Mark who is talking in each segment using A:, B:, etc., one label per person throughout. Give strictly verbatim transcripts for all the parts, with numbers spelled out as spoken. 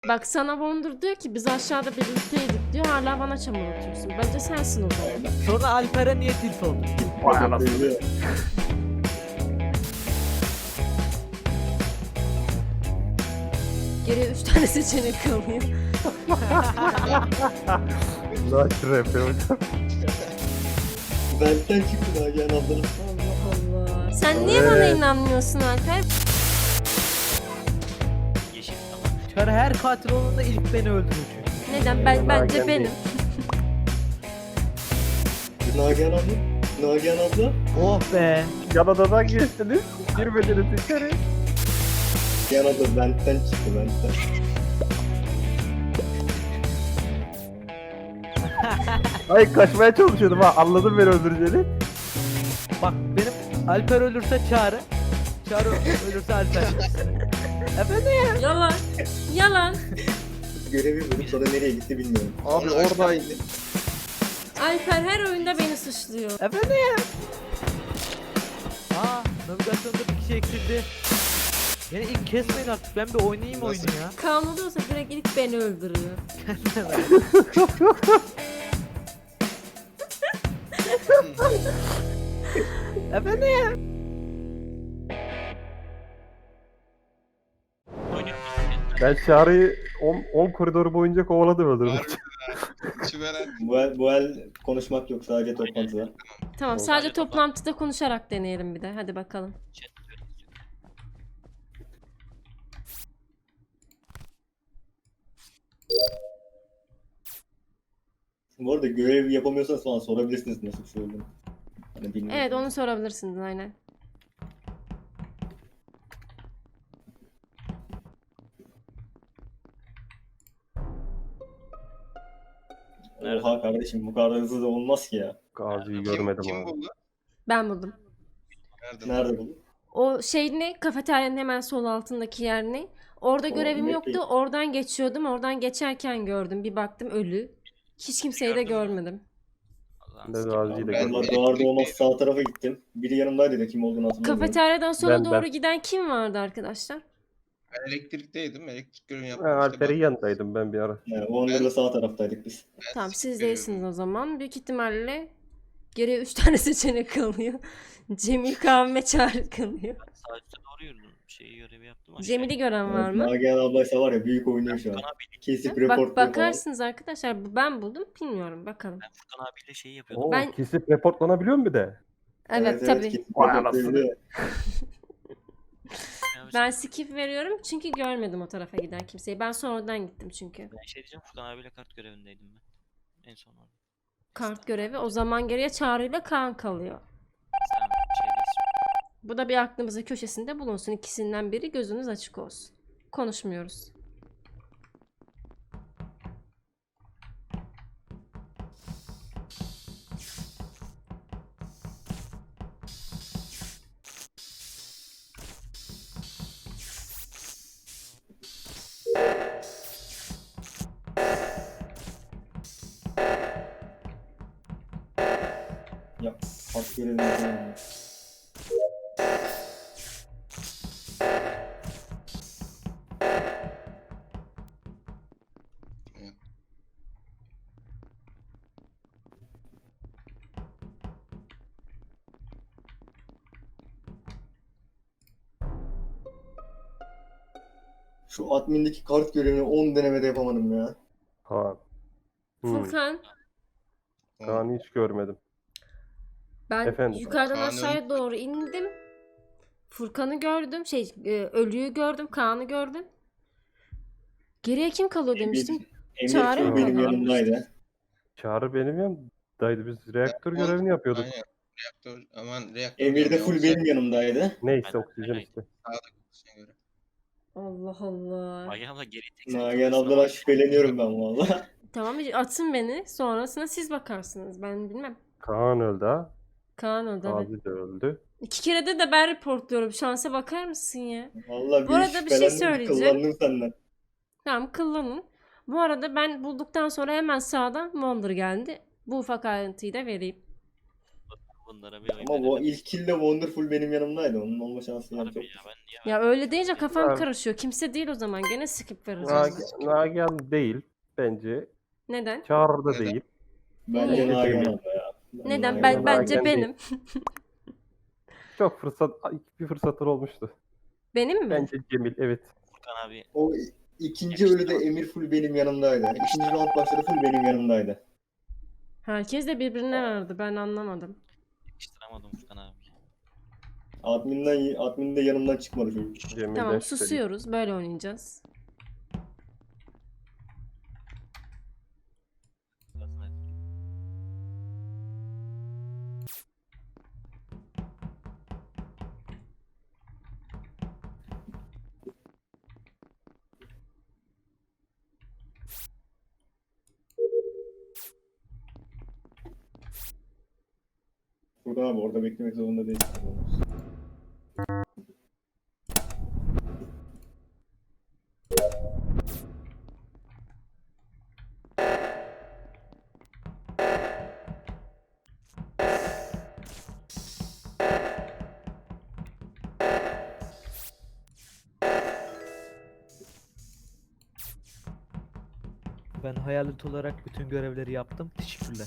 A: Bak sana Wonder diyor ki biz aşağıda birlikteydik diyor. Hala bana çamur atıyorsun. Bence sensin o zaman.
B: Sonra Alper'e niye tilt oldu?
C: Vay anasını.
A: Geriye üç tane seçenek kalıyor.
C: Nasıl rap hocam?
D: Benden çıktı Nagihan ablanın.
A: Allah Allah. Sen niye
C: Evet.
A: bana inanmıyorsun Alper?
E: Yeşil tamam.
B: Kör her katil olduğunda ilk beni öldürür çünkü.
A: Neden? Ben, bence
C: Nagihan
A: benim.
C: değil.
D: Nagihan abla. Nagihan abla.
B: Oh be.
C: Yanadadan geçtiniz. Girmediniz içeri.
D: Nagihan abla benden çıktı benden.
C: Ay kaçmaya çalışıyordum ha. Anladım beni öldüreceğini.
B: Bak benim Alper ölürse Çağrı. Çağrı ölürse Alper. Efendim?
A: Yalan. Yalan.
D: Görevi bulup sonra nereye gitti bilmiyorum.
C: Abi oradaydı.
A: Alper her oyunda beni suçluyor.
B: Efendim? Aa, navigasyonda bir kişi eksildi. Beni ilk kesmeyin artık. Ben bir oynayayım oyunu ya.
A: Kaan oluyorsa direkt ilk beni öldürüyor.
B: Efendim?
E: Oynuyor musun?
C: Ben Çağrı'yı on koridoru boyunca kovaladım öldürdüm.
F: Çiveren.
D: Bu el, bu el konuşmak yok sadece toplantıda.
A: Tamam
C: Oldu.
A: sadece toplantıda konuşarak deneyelim bir de. Hadi bakalım.
E: Chat diyor.
D: Bu arada görev yapamıyorsanız falan sorabilirsiniz nasıl bir şey olduğunu. Hani bilmiyorum.
A: Evet onu sorabilirsiniz aynen.
D: Oha kardeşim bu kadar hızlı da olmaz ki ya.
C: Gazi'yi
F: Kim,
C: görmedim
F: kim
C: abi.
F: buldu?
A: Ben buldum.
F: Nerede?
D: Nerede bu?
A: O şey ne? Kafeteryanın hemen sol altındaki yer ne? Orada
D: O
A: görevim
D: net
A: yoktu.
D: değil.
A: Oradan geçiyordum. Oradan geçerken gördüm. Bir baktım ölü. Hiç kimseyi de
E: Gördün mü?
A: görmedim.
C: Ben
E: Allah'ın
C: de
E: sikeyim.
C: Gazi'yi de
D: Ben
C: görmedim.
D: de doğar doğmaz sağ tarafa gittim. Biri yanımdaydı da kim olduğunu hatırlamıyorum.
A: Kafeteryadan sola
C: Ben-
A: doğru
C: ben.
A: giden kim vardı arkadaşlar?
F: Ben elektrikteydim. Elektrik görevini
C: Ben
F: yaptım.
C: Alper'in
F: işte
C: yanındaydım ben bir ara.
D: Yani Wonder'la sağ taraftaydık biz.
F: ben- ben
A: Tamam siz
F: siktir
A: değilsiniz o zaman. Büyük ihtimalle geriye üç tane seçenek kalıyor. Cemil, Kaan ve Çağrı kalıyor.
E: Ben sağ üstte doğru yürüdüm. Şeyi görevi yaptım. aşağı
A: Cemil'i gören var mı?
D: Nagihan ablaysa var ya büyük oynuyor şu an.
E: Furkan abiyle,
D: Kesip
A: Bak
D: report
A: bakarsınız arkadaşlar. Bu ben buldum. Bilmiyorum bakalım.
E: ben Furkan abiyle şeyi yapıyordum.
C: Oo,
A: Ben-
C: kesip reportlanabiliyor mu bir de?
A: Evet, tabii.
D: kesip
C: Vay
D: report
C: anasını.
D: diyebiliyor.
A: Ben skip veriyorum çünkü görmedim o tarafa giden kimseyi. Ben sonradan gittim çünkü.
E: Ben şey diyeceğim, Furkan abiyle kart görevindeydim ben. En son orada.
A: Kart görevi. O zaman geriye Çağrı ile Kaan kalıyor.
E: Sen şeydeyiz.
A: Bu da bir aklımızın köşesinde bulunsun. İkisinden biri gözünüz açık olsun. Konuşmuyoruz.
D: Ya kart görevini yapamıyorum. Şu admindeki kart görevini on denemede yapamadım ya.
C: Kaan. Hmm.
A: Furkan,
C: Kaan'ı hiç görmedim.
A: ben
C: Efendim?
A: yukarıdan
F: Kaan'ı-
A: aşağıya doğru indim. Furkan'ı gördüm. Şey, e, ölüyü gördüm. Kaan'ı gördüm. Geriye kim kalıyor demiştim.
D: Emir
A: Çağrı
D: şey
A: mı
D: benim
A: kaldı?
D: yanımdaydı.
C: Çağrı benim yanımdaydı. Biz reaktör görevini yapıyorduk.
F: Aynen. Reaktör, aman reaktör.
D: Emir de
F: diyorum
D: full
F: ya,
D: benim yanımdaydı.
C: Neyse
E: Aynen,
C: oksijen
E: aynen.
C: işte.
F: ofisine göre.
A: Allah Allah.
E: Ay abla geri tek
D: Nagihan abladan şüpheleniyorum ben valla.
A: Tamam atın beni. Sonrasına siz bakarsınız. Ben bilmem.
C: Kaan öldü ha.
A: Kaan öldü evet.
C: Gazi de öldü.
A: İki kere de de ben reportluyorum. Şansa bakar mısın ya?
D: Valla
A: Bu
D: bir
A: arada bir şey
D: şüphelendim,
A: söyleyeceğim.
D: Kullandım senden.
A: Tamam kullanın. Bu arada ben bulduktan sonra hemen sağdan Wonder geldi. Bu ufak ayrıntıyı da vereyim.
E: bunlara bir oy
D: Ama o
E: verelim.
D: ilk kill de Wonderful benim yanımdaydı. Onun olma şansı yani
E: Harbi
D: çok.
E: ya ben niye
A: Ya öyle deyince kafam
C: Abi.
A: karışıyor. Kimse değil o zaman. Gene skip vereceğim.
C: Nag- Nagihan değil bence.
A: Neden?
C: Çağrı da
F: Neden?
C: değil.
D: Bence
A: Niye?
D: Nagihan abla ya. Ben
A: Neden?
D: Nagihan
A: Ben
D: abla
A: bence
C: Nagihan
A: benim.
C: Çok fırsat, bir fırsatın olmuştu.
A: Benim mi?
C: Bence Cemil, evet.
E: Furkan abi
D: O ikinci ölüde Emir full benim yanımdaydı. İkinci round başladı full benim yanımdaydı.
A: Herkes de birbirine verdi. Ben anlamadım.
E: yakıştıramadım Furkan abi.
D: Adminden, admin de yanımdan çıkmadı çocuk.
C: Cemil'den
A: Tamam,
C: şüpheliyim.
A: susuyoruz. Böyle oynayacağız.
D: Furkan abi orada beklemek zorunda değil.
B: Ben hayalet olarak bütün görevleri yaptım. Teşekkürler.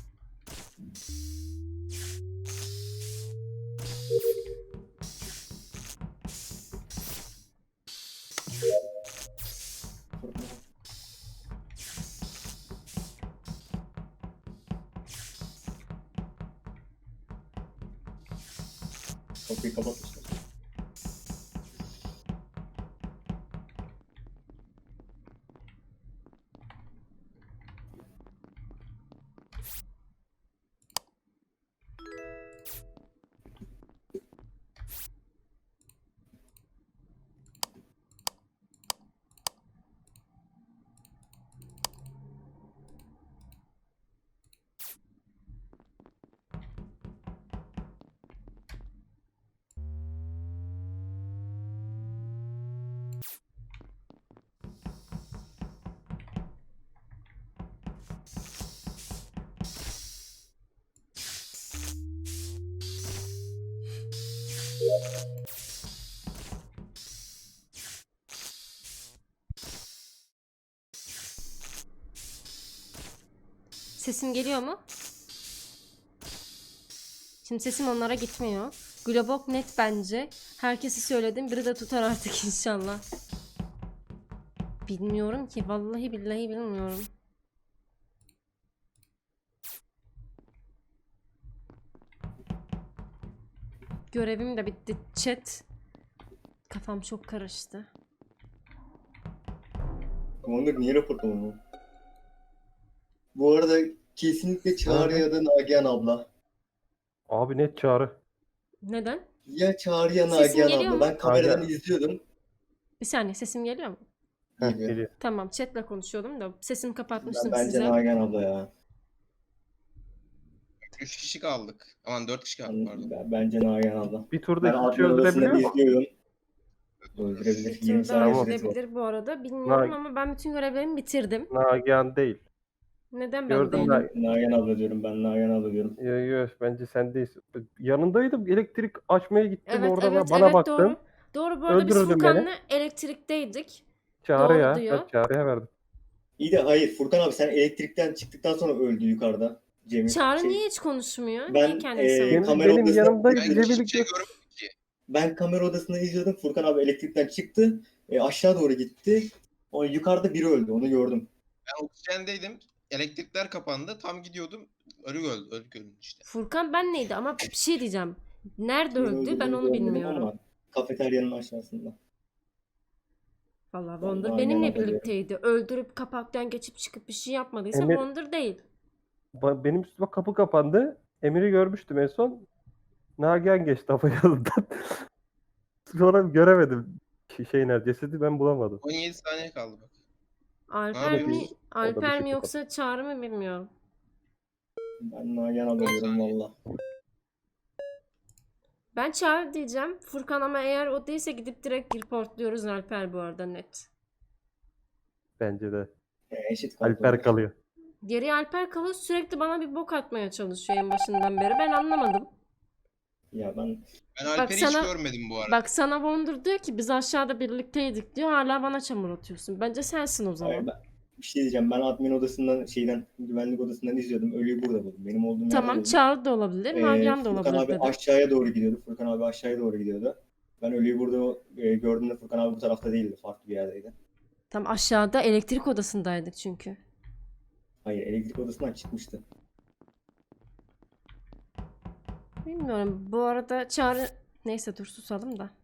D: Kapıyı kapatmışlar.
A: Sesim geliyor mu? Şimdi sesim onlara gitmiyor. Globok net bence. Herkesi söyledim. Biri de tutar artık inşallah. Bilmiyorum ki. Vallahi billahi bilmiyorum. Görevim de bitti. Chat. Kafam çok karıştı.
D: Wonder niye raporlamadın? Bu arada kesinlikle Çağrı ya da Nagihan abla.
C: Abi net Çağrı.
A: Neden?
D: Ya Çağrı ya
A: Sesim
D: Nagihan
A: geliyor
D: abla.
A: mu?
D: Ben kameradan
C: Nagihan.
D: izliyordum.
A: Bir saniye, sesim geliyor mu?
D: Geliyor.
C: Geliyor.
A: Tamam, chatle konuşuyordum da sesimi
D: Ben,
A: kapatmıştım
D: bence
A: size.
D: Nagihan abla ya.
F: üç kişi kaldık. Aman dört kişi kaldık pardon.
D: Ben, bence Nagihan abla.
C: Bir turda
D: Ben
C: iki
D: admin
C: kişi öldürebiliyor
D: odasında
C: mu?
D: izliyordum. Öldürebilir.
A: Bir
D: yirmi
A: tur daha
D: saniye
C: Tamam.
D: süresi var.
A: öldürebilir bu arada. Bilmiyorum
C: Nag-
A: ama ben bütün görevlerimi bitirdim.
C: Nagihan değil.
A: Neden ben
C: Gördüm
A: değilim?
C: ben.
D: Nagihan abla diyorum ben Nagihan abla diyorum.
C: Yo, yo, bence sen değilsin. Yanındaydım. Elektrik açmaya gittim.
A: Evet,
C: Orada
A: evet,
C: bana
A: evet,
C: baktım.
A: doğru. Doğru, bu arada biz
C: Öldürürdün beni.
A: Furkan'la elektrikteydik.
C: Çağrı
A: Doğru
C: ya.
A: diyor.
C: Ben Çağrı'ya verdim.
D: İyi de hayır Furkan abi sen elektrikten çıktıktan sonra öldü yukarıda. Cemil.
A: Çağrı
D: şey,
A: niye hiç konuşmuyor?
D: Ben,
A: niye kendini
D: e,
A: savunuyor?
C: Benim,
D: kamera
C: benim
D: odasına-
C: yanımdaydı.
F: Ben
C: Cemil'i
F: hiçbir şey
C: gö-
F: görmedim ki.
D: Ben kamera odasında izliyordum. Furkan abi elektrikten çıktı. E, aşağı doğru gitti. O yukarıda biri öldü. Onu gördüm.
F: Ben oksijendeydim. Elektrikler kapandı. Tam gidiyordum. Ölü öldü. Ölü öldü işte.
A: Furkan ben neydi ama bir şey diyeceğim. Nerede
D: Kimin
A: öldü
D: öldüğünü
A: ben onu
D: görmedim
A: bilmiyorum.
D: ama Kafeteryanın aşağısında.
A: Vallahi
D: Ben
A: Wonder
D: aynen
A: benimle
D: hatırlıyorum.
A: birlikteydi. Öldürüp kapaktan geçip çıkıp bir şey yapmadıysa
C: Emir-
A: Wonder değil.
C: Ba- benim üstüme kapı kapandı. Emir'i görmüştüm en son. Nagihan geçti hava yanından. Sonra göremedim. Şey, şey nerede? Cesedi ben bulamadım.
F: on yedi saniye kaldı bak.
A: Alper
F: Abi,
A: mi?
C: o da bir
A: Alper mi
C: şey
A: yoksa Çağrı mı bilmiyorum.
D: Ben Nagihan abla diyorum valla.
A: Ben Çağrı diyeceğim. Furkan ama eğer o değilse gidip direkt reportluyoruz Alper bu arada net.
C: Bence de.
D: E, eşit kaldı.
C: Alper kalıyor.
A: Geriye Alper kalıyor, sürekli bana bir bok atmaya çalışıyor en başından beri. Ben anlamadım.
D: Ya ben
F: Ben Alper'i hiç
A: sana-
F: görmedim bu arada.
A: Bak sana Wonder diyor ki biz aşağıda birlikteydik diyor. Hala bana çamur atıyorsun. Bence sensin o zaman.
D: Hayır, ben bir şey diyeceğim. Ben admin odasından şeyden güvenlik odasından izliyordum. Ölüyü burada buldum. Benim olduğum yerde
A: Tamam,
D: buldum.
A: Çağrı da olabilir,
D: Ee,
A: Nagihan da
D: Furkan
A: olabilir
D: abi
A: dedi.
D: aşağıya doğru gidiyordu. Furkan abi aşağıya doğru gidiyordu. Ben ölüyü burada e, gördüğümde Furkan abi bu tarafta değildi. Farklı bir yerdeydi.
A: Tam aşağıda elektrik odasındaydık çünkü.
D: Hayır, elektrik odasından çıkmıştı.
A: Bilmiyorum. Bu arada Çağrı... Neyse dur susalım da.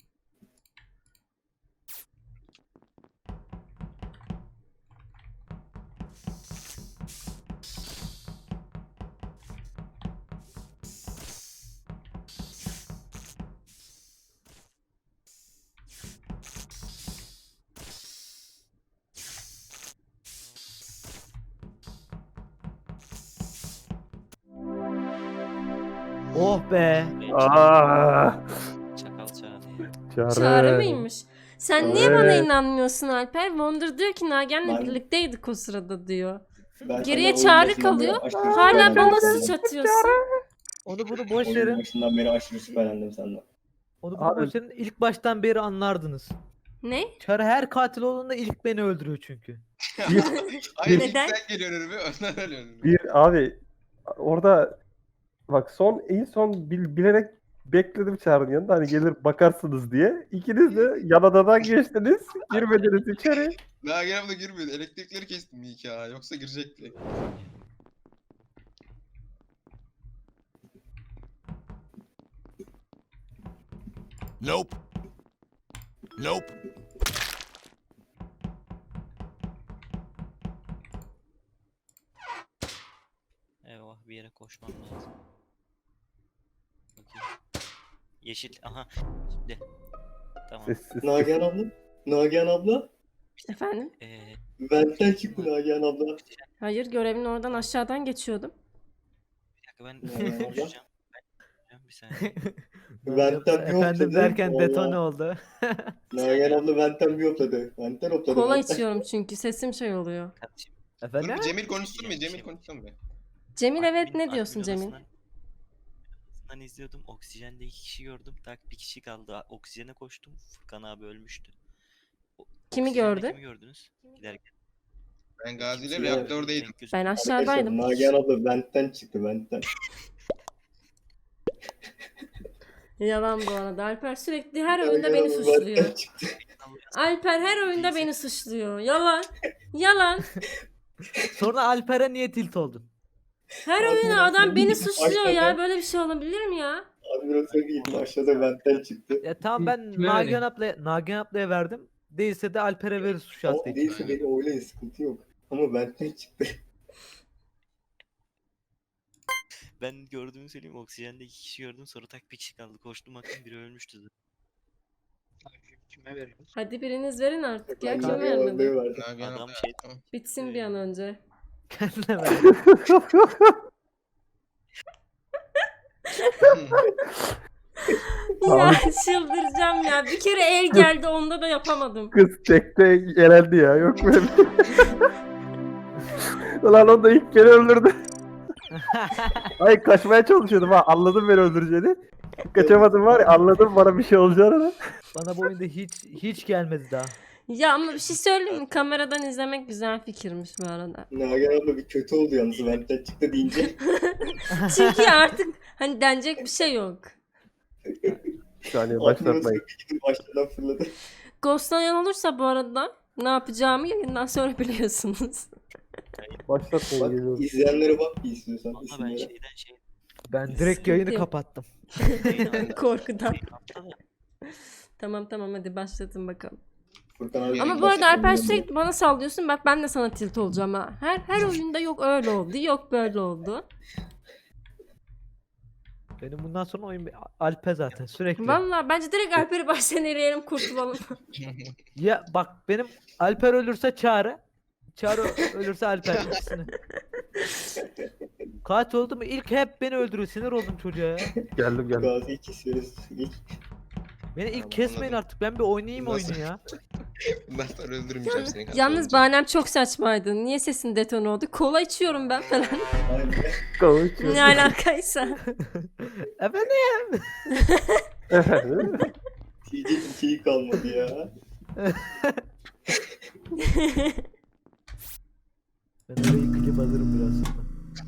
B: Oh be.
C: Aa,
E: Çakal çağırıyor.
C: Çağrı.
A: Çağrı mıymış? Sen niye bana
C: Evet.
A: inanmıyorsun Alper? Wonder diyor ki Nagihan'la
D: Ben-
A: birlikteydik o sırada diyor.
D: Ben
A: Geriye
D: senden oyun
A: Çağrı
D: başından beri
A: kalıyor.
D: aşırı
A: Hala
D: şüphelendim
A: bana
D: senden.
A: suç atıyorsun.
B: Onu bunu boş
D: Oyun
B: verin.
D: başından beri aşırı şüphelendim senden.
B: Onu bunu
C: Abi-
B: boş verin. İlk baştan beri anlardınız.
A: Ne?
B: Çarı her katil olduğunda ilk beni öldürüyor çünkü.
F: Hayır
A: Neden?
F: ilk sen geliyorsun önüme, ondan ölüyorsun.
C: Bir abi orada bak son en son bil- bilerek bekledim Çağrı'nın yanında hani gelir bakarsınız diye. İkiniz de yan odadan geçtiniz. Girmediniz içeri.
F: Daha gene da girmiyordu. Elektrikleri kestim iyi ki ha. Yoksa girecekti.
G: Nope. Nope.
E: Eyvah, bir yere koşmam lazım. Bakayım. Yeşil. Aha. Şimdi. Tamam.
C: Sessiz.
D: Nagihan abla? Nagihan abla?
A: Efendim?
E: Ee,
D: Benden çıktı Nagihan abla.
A: Hayır, görevin oradan aşağıdan geçiyordum.
E: bir dakika ben
D: Ne oldu?
E: konuşacağım. Ben konuşacağım bir saniye.
D: Benden bir
B: Efendim
D: hopladı.
B: derken
D: Vallahi.
B: detone oldu.
D: Nagihan abla benden bir hopladı. Benden hopladı.
A: Kola
D: benden.
A: içiyorum çünkü sesim şey oluyor.
E: Kardeşim.
F: Dur
B: Efendim?
F: bir Cemil konuşsun mu? Cemil konuşsun mu?
A: Cemil evet
E: admin-
A: ne diyorsun
E: admin
A: Cemil?
E: odasından- odasından izliyordum. Oksijende iki kişi gördüm. Tak bir kişi kaldı. Oksijene koştum. Furkan abi ölmüştü. O-
A: Kimi
E: oksijende
A: gördün?
E: Kimi gördünüz? Giderken.
F: Ben Gazi ile
D: Kim
F: reaktördeydim.
E: Renk gözü-
A: Ben
D: Arkadaşlar,
A: aşağıdaydım.
D: Nagihan abla benden çıktı benden.
A: Yalan bu arada. Alper sürekli her oyunda
D: Nagihan
A: beni
D: abla
A: suçluyor.
D: benden çıktı.
A: Alper her oyunda beni suçluyor. Yalan. Yalan.
B: Sonra Alper'e niye tilt oldun?
A: Her
D: Abi
A: oyunda
D: ben
A: adam beni
D: söyleyeyim,
A: suçluyor ya.
D: aşağıda-
A: Böyle bir şey olabilir mi ya?
D: Abi biraz söyleyeyim aşağıda benden çıktı.
B: Ya tamam ben
H: Kime
B: Nagihan ablaya, Nagihan ablaya verdim. Değilse de Alper'e verir suç
D: Ama
B: attığı için.
D: değilse beni oynayın sıkıntı yok. Ama benden çıktı.
E: Ben gördüğümü söyleyeyim. Oksijende iki kişi gördüm. Sonra tak bir kişi kaldı. Koştum baktım biri ölmüştü zaten.
H: Kime veriyoruz?
A: Hadi biriniz verin artık ya.
D: Ben
A: Kim
D: Nagihan
A: vermedi?
D: ablaya verdim.
F: Nagihan
E: Adam
F: abla-
E: şey-
F: Tamam.
A: Bitsin bir an önce.
B: Kendine verdim.
A: Ya çıldıracağım ya. Bir kere el geldi onda da yapamadım.
C: Kız tekte elendi ya. Yok böyle bir şey. Ulan o da ilk beni öldürdü. Ay kaçmaya çalışıyordum ha. Anladım beni öldüreceğini. Kaçamadım var ya, anladım bana bir şey olacağını.
B: Bana bu oyunda hiç hiç gelmedi daha.
A: Ya ama bir şey söyleyeyim mi? Kameradan izlemek güzel fikirmiş bu arada.
D: Nagihan abla bir kötü oldu yalnız benden çıktı deyince.
A: Çünkü artık hani denecek bir şey yok.
C: Bir saniye
D: Admin
C: başlatmayın.
D: odasına bir gidip başladan fırladı.
A: Ghostlayan olursa bu arada ne yapacağımı yayından sonra biliyorsunuz.
C: Başlatmayın
D: Bak
C: geliyorum.
D: izleyenlere bak bir istiyorsan
E: Valla ben
D: isimlere.
E: şeyden şey...
B: Ben direkt
A: Sıkıntı
B: yayını
A: yok.
B: kapattım.
A: Korkudan.
E: Şey yaptı da,
A: Tamam tamam hadi başlatın bakalım.
D: Furkan abi
A: Ama bu arada Alper sürekli bana sallıyorsun. Bak ben de sana tilt olacağım ha. Her her oyunda yok öyle oldu, yok böyle oldu.
B: Benim bundan sonra oyun Alpe zaten sürekli.
A: Vallahi bence direkt Alper'i baştan eleyelim kurtulalım.
B: Ya bak benim Alper ölürse Çağrı. Çağrı ölürse Alper. İkisini. Kaç oldu mu? İlk hep beni öldürüyor. Sinir oldum çocuğa ya.
C: Geldim geldim.
D: Gazi'yi kesiyoruz. İlk
B: Beni ilk
F: Tamam,
B: kesmeyin
F: anladım.
B: artık. Ben bir oynayayım
F: Nasıl?
B: oyunu ya.
F: Bundan sonra öldürmeyeceğim
A: Yalnız,
F: seni.
A: yalnız bahanem çok saçmaydı. Niye sesin detone oldu? Kola içiyorum ben falan.
D: Aynen.
C: Konuşuyoruz.
A: Ne alakaysa.
B: Efendim?
C: Efendim?
D: Diyecek bir şey kalmadı ya.
B: Ben orayı klip alırım biraz sonra.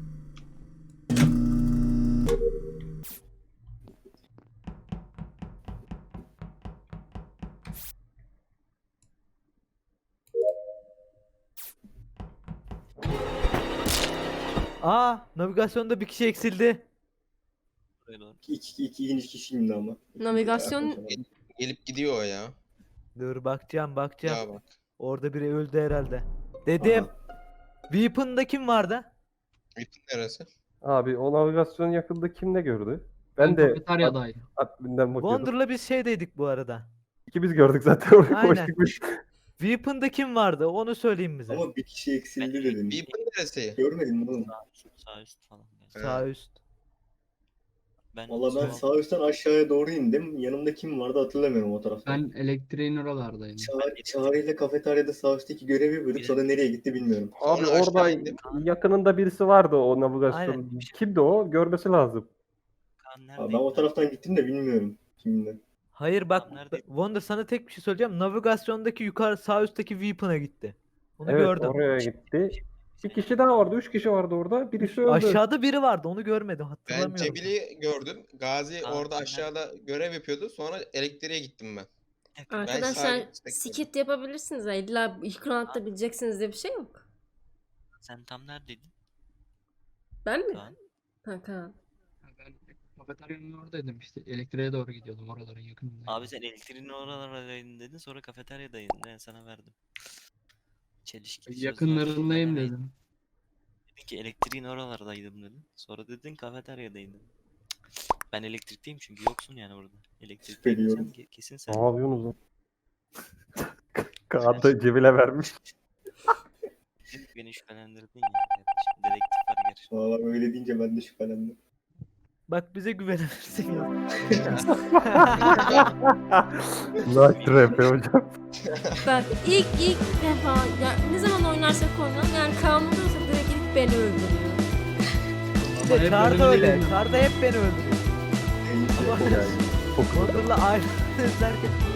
B: Aa, navigasyonda bir kişi eksildi.
E: Buraya doğru.
D: İki, iki, ikinci kişiyim de ama.
A: Navigasyon-
F: Gelip gidiyor o ya.
B: Dur bakacağım bakacağım.
F: Ya bak.
B: Orada biri öldü herhalde. Dedim. Weapon'da kim vardı?
F: Bütün neresi?
C: Abi o navigasyon yakında kim ne gördü? Ben,
H: Ben
C: de
H: kafeteryadayım.
C: adminden bakıyordum.
B: Wonder'la biz şeydeydik bu arada.
C: İkimiz gördük zaten oraya
B: Aynen.
C: koştuk biz.
B: Weapon'da kim vardı? Onu söyleyeyim bize.
D: Ama bir kişi eksildi dedim.
F: Weapon neresi?
D: Görmedin mi oğlum?
E: Sağ üst, sağ üst falan. Yani.
B: Sağ üst.
E: Ben
D: Valla ben
E: sol-
D: sağ üstten aşağıya doğru indim. Yanımda kim vardı hatırlamıyorum o tarafta.
H: Ben elektriğin oralardayım.
D: Çağrı, Çağrı ile kafeteryada sağ üstteki görevi yapıyorduk. Sonra nereye gitti bilmiyorum.
C: Abi
F: Sonra
C: orada
F: aşağı indim.
C: yakınında birisi vardı o navigasyon.
B: Aynen.
C: Kimdi o? Görmesi lazım.
E: Kaan
D: Abi
E: neredeydi
D: ben o
E: lan?
D: taraftan gittim de bilmiyorum kiminle.
B: Hayır bak
E: Tamam, neredeydi?
B: Wonder sana tek bir şey söyleyeceğim. Navigasyondaki yukarı sağ üstteki Weapon'a gitti. Onu
C: Evet
B: gördüm.
C: oraya gitti. Bir kişi daha vardı. Üç kişi vardı orada. Birisi öldü.
B: Aşağıda biri vardı onu görmedim
F: Ben
B: hatırlamıyorum.
F: Cebil'i gördüm. Gazi
E: Aa,
F: orada
E: ben-
F: aşağıda görev yapıyordu. Sonra elektriğe gittim ben.
A: Arkadaşlar
F: sadece-
A: skit yapabilirsiniz. Ya. İlla ilk roundda bileceksiniz diye bir şey yok.
E: Sen tam neredeydin?
A: Ben mi?
E: Kaan.
A: Ha, Kaan.
H: Ben kafeteryanın oradaydım işte. Elektriğe doğru gidiyordum oraların yakınındayım.
E: Abi sen elektriğin oralardaydın dedin, sonra kafeteryadaydın. Ben sana verdim. Çelişki sözler
H: Yakınlarındayım
E: söylemeyin.
H: dedim.
E: Dedin ki elektriğin oralardaydım dedin. Sonra dedin kafeteryadaydım. Ben elektrikteyim çünkü yoksun yani orada. Elektrikteyim
D: Şüpheliyorum.
E: sen ke- kesin sen.
C: Ne yapıyorsunuz lan? Kaan da Cemil'e vermiş.
E: Beni şüphelendirdin ya kardeşim. Dedektif var gerçi.
D: Valla öyle deyince ben de şüphelendim.
B: Bak bize güvenirsin ya.
C: Nice rap hocam.
A: Bak ilk ilk defa ya ne zaman oynarsak oynayalım yani Kaan oluyorsa direkt ilk beni öldürüyor.
B: İşte
H: hep
B: Çağrı da
H: bölümde
B: öyle.
H: değilim.
B: Çağrı da hep beni öldürüyor.
C: Yani, çok
B: Wonder'la aynı izlerken